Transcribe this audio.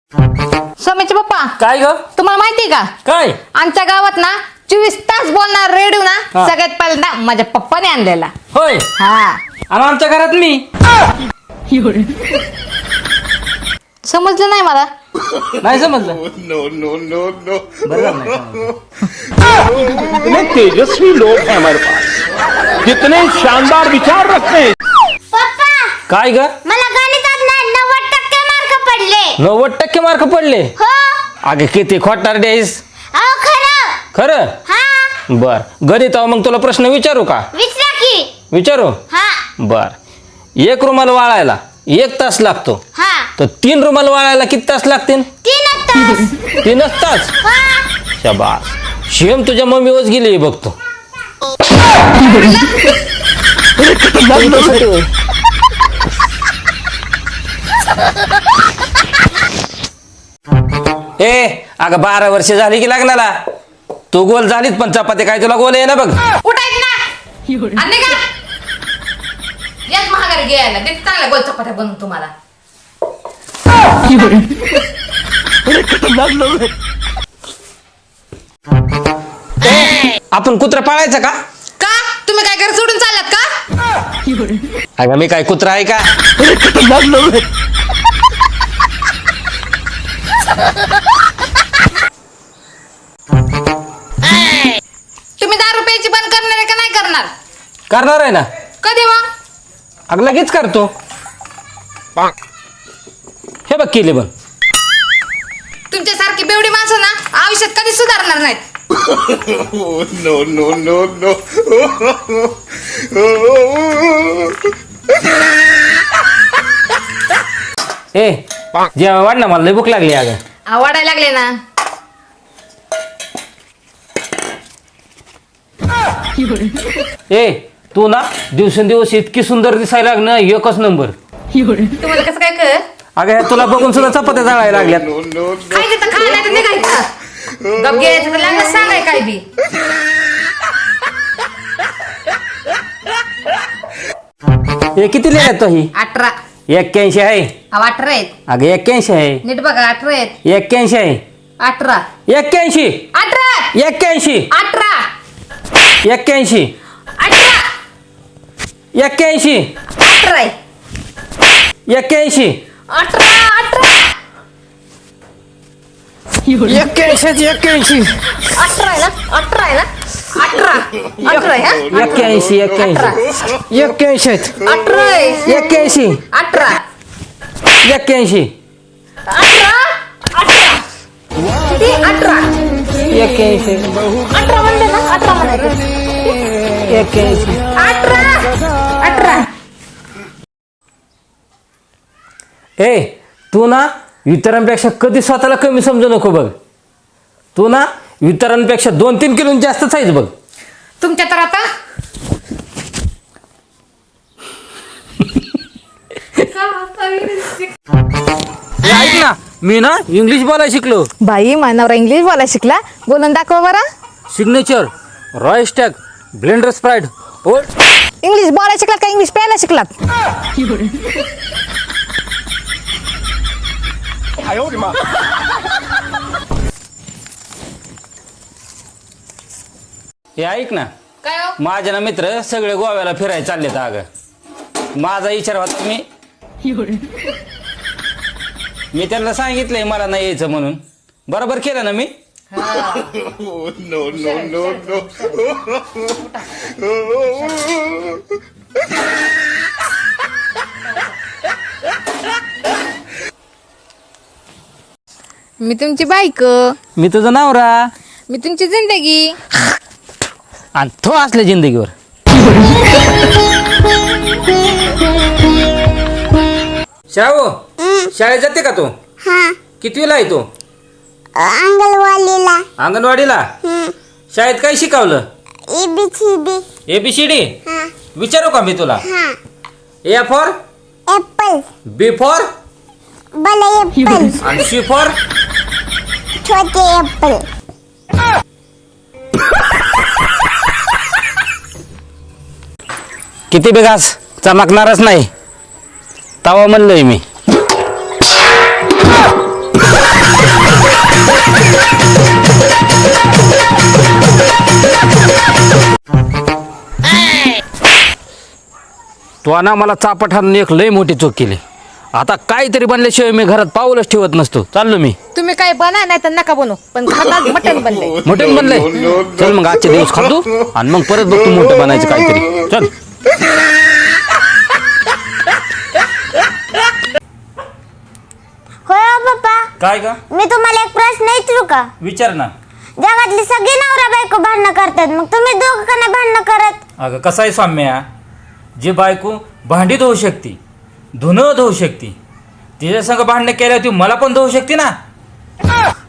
समीचे पप्पा काय ग? तुम्हाला माहितीये का काय? आमच्या गावात ना 24 तास बोलणार रेडिओ ना सगळ्यात पहिल्यांदा माझ्या पप्पाने आणलेला. होय. हा आणि आमच्या घरात मी. समजलं नाही मला. नाही समजलं. बरं झालं नाही समजलं. कितने तेजस्वी लोग हैं हमारे पास, कितने शानदार विचार रखते हैं. पप्पा काय ग? मला गणितात ना 90% मार्क पडले. 90% मार्क पडले. हो अगे किती खोटार डेस. अहो खरं. खरं? हा बर गणिता मग तुला प्रश्न विचारू का? विचारा की. विचारू. हा बर एक रुमाल वाळायला 1 तास लागतो, हा तर 3 रुमाल वाळायला किती तास लागतील? 3 तास. 3च तास. हा शाबास. शेम तुझ्या मम्मीवरच गेली बघतो. ए अगं 12 वर्ष झाली की लग्नाला. तू गोल झालीत पण चपाती काय तुला गोल आहे ना बघ. उठायच ना आणि का याच महागारी घ्यायला ते चांगल्या गोल चपात्या बनवून तुम्हाला. आपण कुत्रा पाळायचा का? का तुम्ही काय घर सोडून चाललात का? अगं मी काय कुत्रा आहे का? तुम्ही दारू प्यायची बंद करणार आहे का नाही करणार? करणार आहे ना. कधी मग? अगं लगेच करतो. हे बघ केले बघ. तुमच्यासारखी बेवडी माणसं ना आयुष्यात कधी सुधारणार नाहीत. ए जेव्हा वाढ ना मला लय भूक लागली अगं. आवडायला लागले ना. ए तू ना दिवसेंदिवस इतकी सुंदर दिसायला लागणं एकच नंबर. तुम्हाला कसं काय कळ? अगं ह्या तुला बघून सुद्धा चपात्या जाळायला लागल्यात. खायचं तर खा नाही तर निघायचं. गप घ्यायचं तर लागलं सांगाय काय बी. हे किती लिहिल्यात तो ही? 18. 81 आहे. 18 आहेत. अगं 81 आहे. नीट बघा 18 आहेत. 81 आहे. 18. 81 18. 81 18. 81 18. 81 18 आहे. 81 18. 81 81 18 आहे ना? 18 आहे ना? 18. 18 आहे हा? 81 18. 81 18 आहे. 81 18. 81 18. 18. किती? 18. 81 18 म्हणले ना? 18 म्हणायचं. 81 18. 18. ए तू ना इतरांपेक्षा कधी स्वतःला कमी समजू नको बघ. तू ना इतरांपेक्षा 2-3 किलो जास्तच आहेस बघ. तुमच्या तर आता ए, ऐक ना मी ना इंग्लिश बोलायला शिकलो. बाई मानवरा इंग्लिश बोलायला शिकला. बोलून दाखवा बरं. Signature royal stag blender sprite ओ. इंग्लिश बोलायला शिकलात का इंग्लिश प्यायला शिकलात? हे ऐक ना काय हो? माझे ना मित्र सगळे गोव्याला फिरायला चाललेत अगं. माझा विचार होता मी त्यांना सांगितलंय मला नाही यायचं म्हणून. बरोबर केलं ना मी? मी तुमची बायको. मी तुझं नवरा मी तुमची जिंदगी. आणि तो असल्या जिंदगीवर. शाळू शाळेत जाते का तू? हा कितवीला आहे तू? अंगणवाडीला. अंगणवाडीला. शाळेत काय शिकवलं? ABCD. ABCD हा विचारू का मी तुला? हा A for apple. B for बडे ऍपल. आणि C फॉर छोटे ऍपल. किती बिघास चमकणारच नाही तवा म्हणलोय मी. तो ना मला चापट हाणून एक लय मोठी चूक केली. आता काहीतरी बनल्याशिवाय मी घरात पाऊलच ठेवत नसतो. चाललो मी. तुम्ही काय बना नाही तर नका बनू, पण घरात मटण बनलंय. मटण बनलंय. चल मग आजचे दिवस खातो आणि मग परत बघतो मोठं बनायचं काहीतरी. चल. होय हो पप्पा, काय का? मी तुम्हाला एक प्रश्न विचारू का? विचार ना. जगातली सगळी नवरा बायको भांडणं करतात, मग तुम्ही दोघं का नाही भांडणं करत? अगं कसं आहे सौम्या, जी बायको भांडी धुवू शकते, धुणं धुवू शकते, तिच्या संग भांडणं केल्यावर ती मला पण धुवू शकते ना.